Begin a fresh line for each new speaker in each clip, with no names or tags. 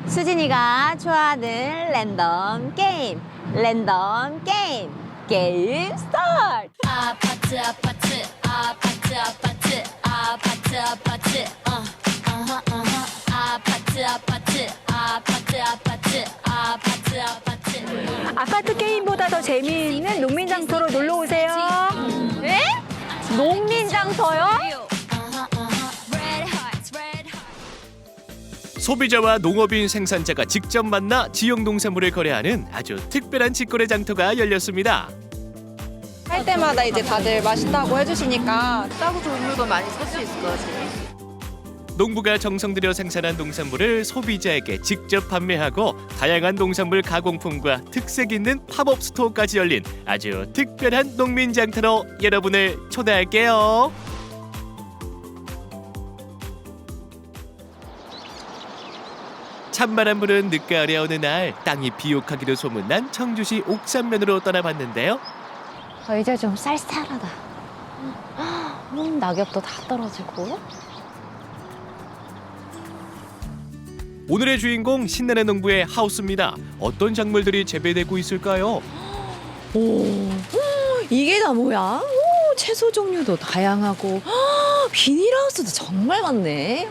수진이가 좋아하는 랜덤 게임 게임 스타트.
아파트 아파트 아파트 아파트 아파트 아파트 아파트 아파트 아파트 아파트 아파트 아파트
아파트 게임보다 더 재미있는 농민장터로 놀러 오세요.
네? 농민장터요?
Red hearts red hearts
소비자와 농업인 생산자가 직접 만나 지역 농산물을 거래하는 아주 특별한 직거래 장터가 열렸습니다.
할 때마다 이제 다들 맛있다고 해주시니까 싸고 좋은 물건 많이 살 수 있을 것 같아요.
농부가 정성 들여 생산한 농산물을 소비자에게 직접 판매하고 다양한 농산물 가공품과 특색 있는 팝업 스토어까지 열린 아주 특별한 농민 장터로 여러분을 초대할게요. 찬바람 부는 늦가을의 어느 날 땅이 비옥하기로 소문난 청주시 옥산면으로 떠나봤는데요.
이제 좀 쌀쌀하다. 낙엽도 다 떨어지고.
오늘의 주인공 신나는 농부의 하우스입니다. 어떤 작물들이 재배되고 있을까요?
이게 다 뭐야? 오, 채소 종류도 다양하고 비닐하우스도 정말 많네.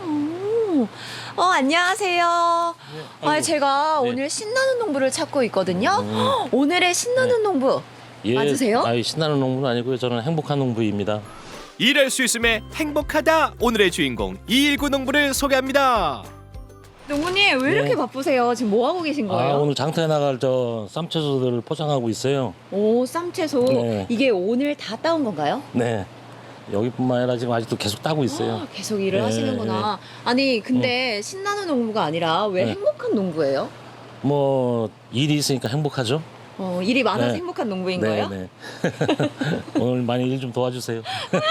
안녕하세요. 제가 오늘 신나는 농부를 찾고 있거든요. 오늘의 신나는 농부 맞으세요?
신나는 농부는 아니고요. 저는 행복한 농부입니다.
일할 수 있음에 행복하다. 오늘의 주인공 219 농부를 소개합니다.
농부님 왜 이렇게 바쁘세요? 지금 뭐 하고 계신 거예요?
오늘 장터에 나갈 저 쌈채소들을 포장하고 있어요.
오, 쌈채소.
네.
이게 오늘 다 따온 건가요?
네. 여기뿐만 아니라 지금 아직도 계속 따고 있어요.
계속 일을
네,
하시는구나. 아니 근데 신나는 농부가 아니라 왜
네.
행복한 농부예요?
뭐 일이 있으니까 행복하죠.
일이 많아서
네.
행복한 농부인
네,
거예요?
네. 오늘 많이 일 좀 도와주세요.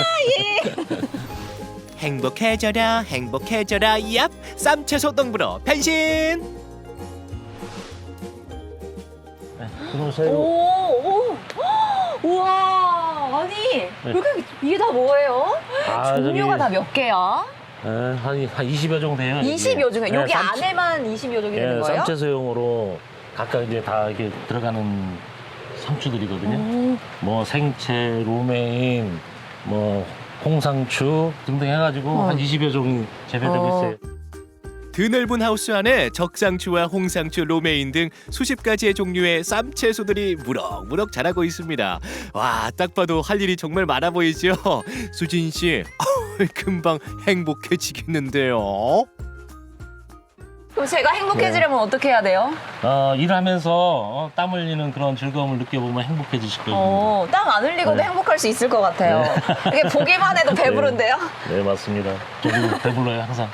행복해져라 행복해져라 얍 쌈채소 농부로 변신.
들어오세요.
오, 우와, 아니 왜 이렇게 이게 다 뭐예요? 종류가 다 몇 개야?
한 20여 종 돼요.
20여 종이 여기
네,
안에만 20여 종이 되는 거예요?
쌈채소용으로 각각 이제 다 이렇게 들어가는 상추들이거든요. 뭐 생채, 로메인, 뭐 홍상추 등등 해가지고 한 20여 종이 재배되고 있어요.
드넓은 하우스 안에 적상추와 홍상추, 로메인 등 수십 가지의 종류의 쌈채소들이 무럭무럭 자라고 있습니다. 와, 딱 봐도 할 일이 정말 많아 보이죠? 수진 씨, 금방 행복해지겠는데요.
그럼 제가 행복해지려면 어떻게 해야 돼요?
일하면서 땀 흘리는 그런 즐거움을 느껴보면 행복해지실 거예요.
땀 안 흘리고도
네.
행복할 수 있을 것 같아요. 이게 보기만 해도 배부른데요?
네, 맞습니다. 저도 배불러요, 항상.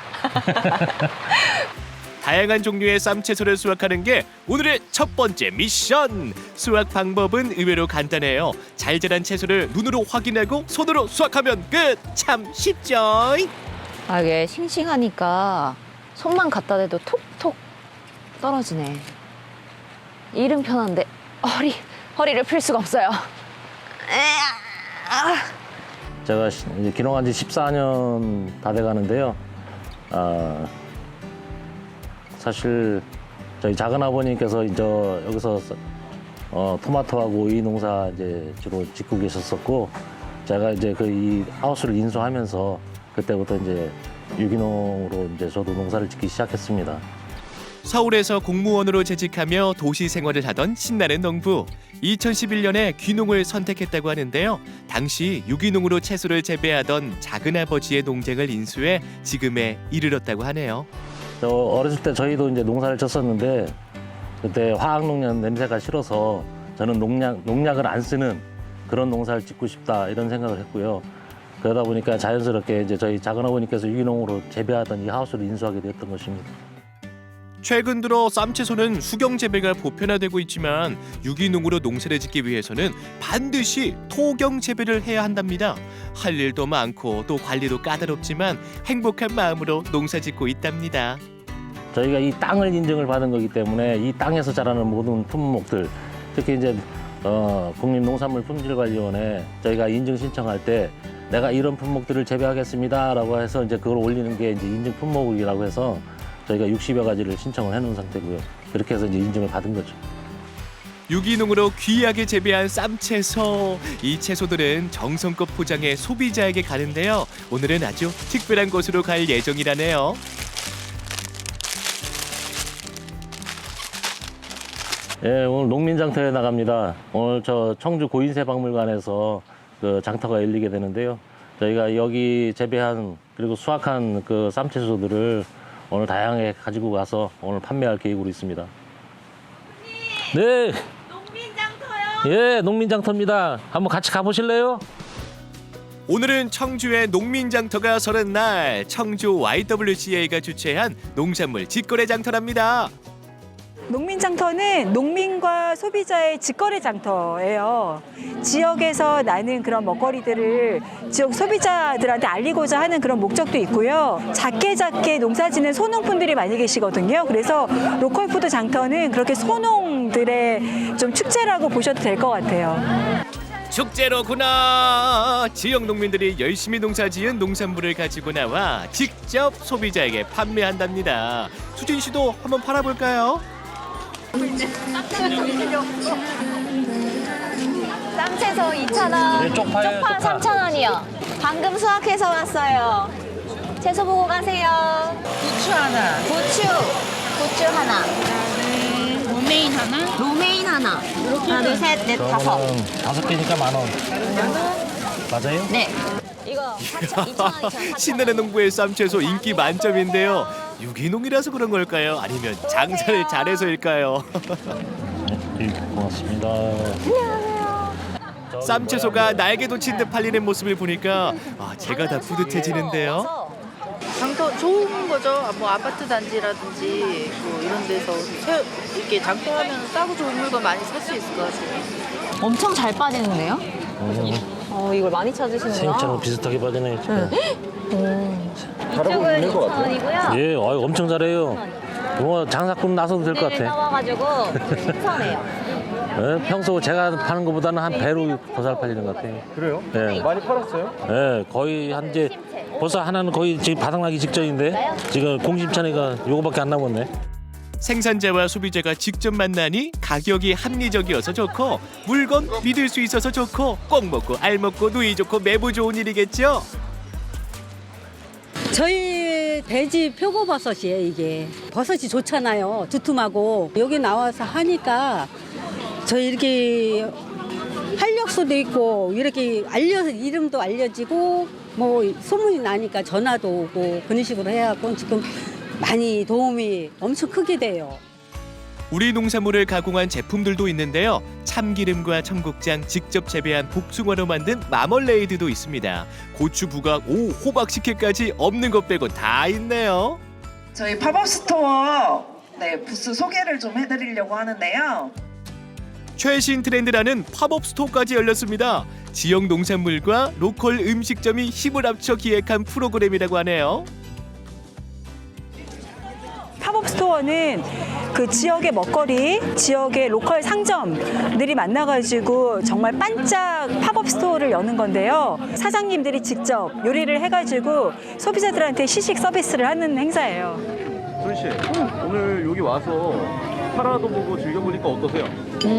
다양한 종류의 쌈채소를 수확하는 게 오늘의 첫 번째 미션. 수확 방법은 의외로 간단해요. 잘 자란 채소를 눈으로 확인하고 손으로 수확하면 끝. 참 쉽죠?
이게 싱싱하니까 손만 갖다 대도 톡톡 떨어지네. 일은 편한데 허리를 필 수가 없어요.
제가 이제 귀농한 지 14년 다 돼가는데요. 사실 저희 작은 아버님께서 이제 여기서 토마토하고 오이 농사 이제 주로 짓고 계셨었고, 제가 이제 이 하우스를 인수하면서 그때부터 이제 유기농으로 이제 저도 농사를 짓기 시작했습니다.
서울에서 공무원으로 재직하며 도시 생활을 하던 신나는 농부. 2011년에 귀농을 선택했다고 하는데요. 당시 유기농으로 채소를 재배하던 작은아버지의 농장을 인수해 지금에 이르렀다고 하네요.
저 어렸을 때 저희도 이제 농사를 쳤었는데 그때 화학농약 냄새가 싫어서 저는 농약을 안 쓰는 그런 농사를 짓고 싶다 이런 생각을 했고요. 그러다 보니까 자연스럽게 이제 저희 작은아버님께서 유기농으로 재배하던 이 하우스를 인수하게 되었던 것입니다.
최근 들어 쌈채소는 수경 재배가 보편화되고 있지만 유기농으로 농사를 짓기 위해서는 반드시 토경 재배를 해야 한답니다. 할 일도 많고 또 관리도 까다롭지만 행복한 마음으로 농사 짓고 있답니다.
저희가 이 땅을 인증을 받은 거기 때문에 이 땅에서 자라는 모든 품목들, 특히 이제 국립농산물품질관리원에 저희가 인증 신청할 때 내가 이런 품목들을 재배하겠습니다라고 해서 이제 그걸 올리는 게 이제 인증 품목이라고 해서 저희가 60여 가지를 신청을 해놓은 상태고요. 그렇게 해서 이제 인증을 받은 거죠.
유기농으로 귀하게 재배한 쌈채소. 이 채소들은 정성껏 포장해 소비자에게 가는데요. 오늘은 아주 특별한 곳으로 갈 예정이라네요.
예, 오늘 농민장터에 나갑니다. 오늘 저 청주 고인세 박물관에서 그 장터가 열리게 되는데요. 저희가 여기 재배한 그리고 수확한 그 쌈채소들을 오늘 다양하게 가지고 가서 오늘 판매할 계획으로 있습니다. 네. 농민장터요? 예, 농민장터입니다. 한번 같이 가보실래요?
오늘은 청주의 농민장터가 서는 날 청주 YWCA가 주최한 농산물 직거래 장터랍니다.
농민장터는 농민과 소비자의 직거래 장터예요. 지역에서 나는 그런 먹거리들을 지역 소비자들한테 알리고자 하는 그런 목적도 있고요. 작게 농사짓는 소농분들이 많이 계시거든요. 그래서 로컬푸드 장터는 그렇게 소농들의 좀 축제라고 보셔도 될 것 같아요.
축제로구나. 지역 농민들이 열심히 농사지은 농산물을 가지고 나와 직접 소비자에게 판매한답니다. 수진 씨도 한번 팔아볼까요?
쌈채소 2,000원,
네, 쪽파예요,
쪽파
쪽파.
3,000원이요. 방금 수확해서 왔어요. 채소 보고 가세요.
부추 하나.
부추 하나.
로메인 하나.
로메인 하나. 하나, 둘, 셋, 넷, 다섯.
저거는 5개니까 10,000원. 맞아요?
네. 이거 2,000원.
신나는 농부의 쌈채소 인기 만점인데요. 유기농이라서 그런 걸까요? 아니면 장사를 잘해서일까요?
네, 고맙습니다.
쌈채소가 날개 돋친 듯 팔리는 모습을 보니까 제가 다 뿌듯해지는데요.
장터 좋은 거죠. 뭐 아파트 단지라든지 뭐 이런 데서 이렇게 장터하면 싸고 좋은 물건 많이 살 수 있을 것 같아요.
엄청 잘 빠지는데요? 이걸 많이 찾으시는구나.
생처럼 비슷하게 빠지네요. 지금.
이쪽은 2,000원이고요.
예, 엄청 잘해요. 이거 장사꾼 나서도 될 것 같아.
나와가지고 신선해요.
예, 평소 제가 파는 것보다는 한 배로 더 잘 팔리는 것 같아요.
그래요?
예,
많이 팔았어요?
예, 거의 한 이제 벌써 하나는 거의 지금 바닥나기 직전인데 지금 공심찬이가 요거밖에 안 남았네.
생산자와 소비자가 직접 만나니 가격이 합리적이어서 좋고 물건 믿을 수 있어서 좋고 꼭 먹고 알 먹고 누이 좋고 매부 좋은 일이겠죠?
저희 돼지 표고버섯이에요. 이게 버섯이 좋잖아요. 두툼하고 여기 나와서 하니까 저희 이렇게 활력소도 있고 이렇게 이름도 알려지고 뭐 소문이 나니까 전화도 오고 그런 식으로 해갖고 지금 많이 도움이 엄청 크게 돼요.
우리 농산물을 가공한 제품들도 있는데요. 참기름과 청국장, 직접 재배한 복숭아로 만든 마멀레이드도 있습니다. 고추, 부각, 호박식혜까지 없는 것 빼고 다 있네요.
저희 팝업 스토어 부스 소개를 좀 해드리려고 하는데요.
최신 트렌드라는 팝업 스토어까지 열렸습니다. 지역 농산물과 로컬 음식점이 힘을 합쳐 기획한 프로그램이라고 하네요.
팝업 스토어는 그 지역의 먹거리, 지역의 로컬 상점들이 만나가지고 정말 반짝 팝업 스토어를 여는 건데요. 사장님들이 직접 요리를 해가지고 소비자들한테 시식 서비스를 하는 행사예요.
소희 씨, 오늘 여기 와서 팔아도 보고 즐겨보니까 어떠세요?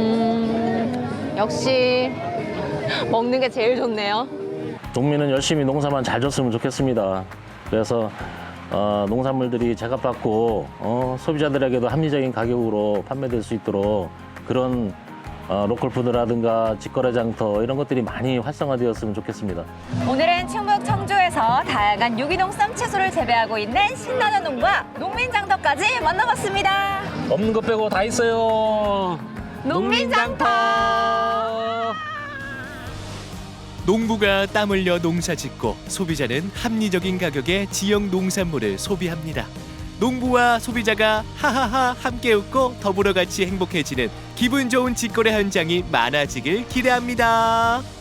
역시 먹는 게 제일 좋네요.
농민은 열심히 농사만 잘 졌으면 좋겠습니다. 그래서 농산물들이 제값받고 소비자들에게도 합리적인 가격으로 판매될 수 있도록 그런 로컬푸드라든가 직거래 장터 이런 것들이 많이 활성화되었으면 좋겠습니다.
오늘은 충북 청주에서 다양한 유기농 쌈채소를 재배하고 있는 신나는 농부와 농민장터까지 만나봤습니다.
없는 것 빼고 다 있어요.
농민장터.
농부가 땀 흘려 농사 짓고 소비자는 합리적인 가격에 지역 농산물을 소비합니다. 농부와 소비자가 하하하 함께 웃고 더불어 같이 행복해지는 기분 좋은 직거래 현장이 많아지길 기대합니다.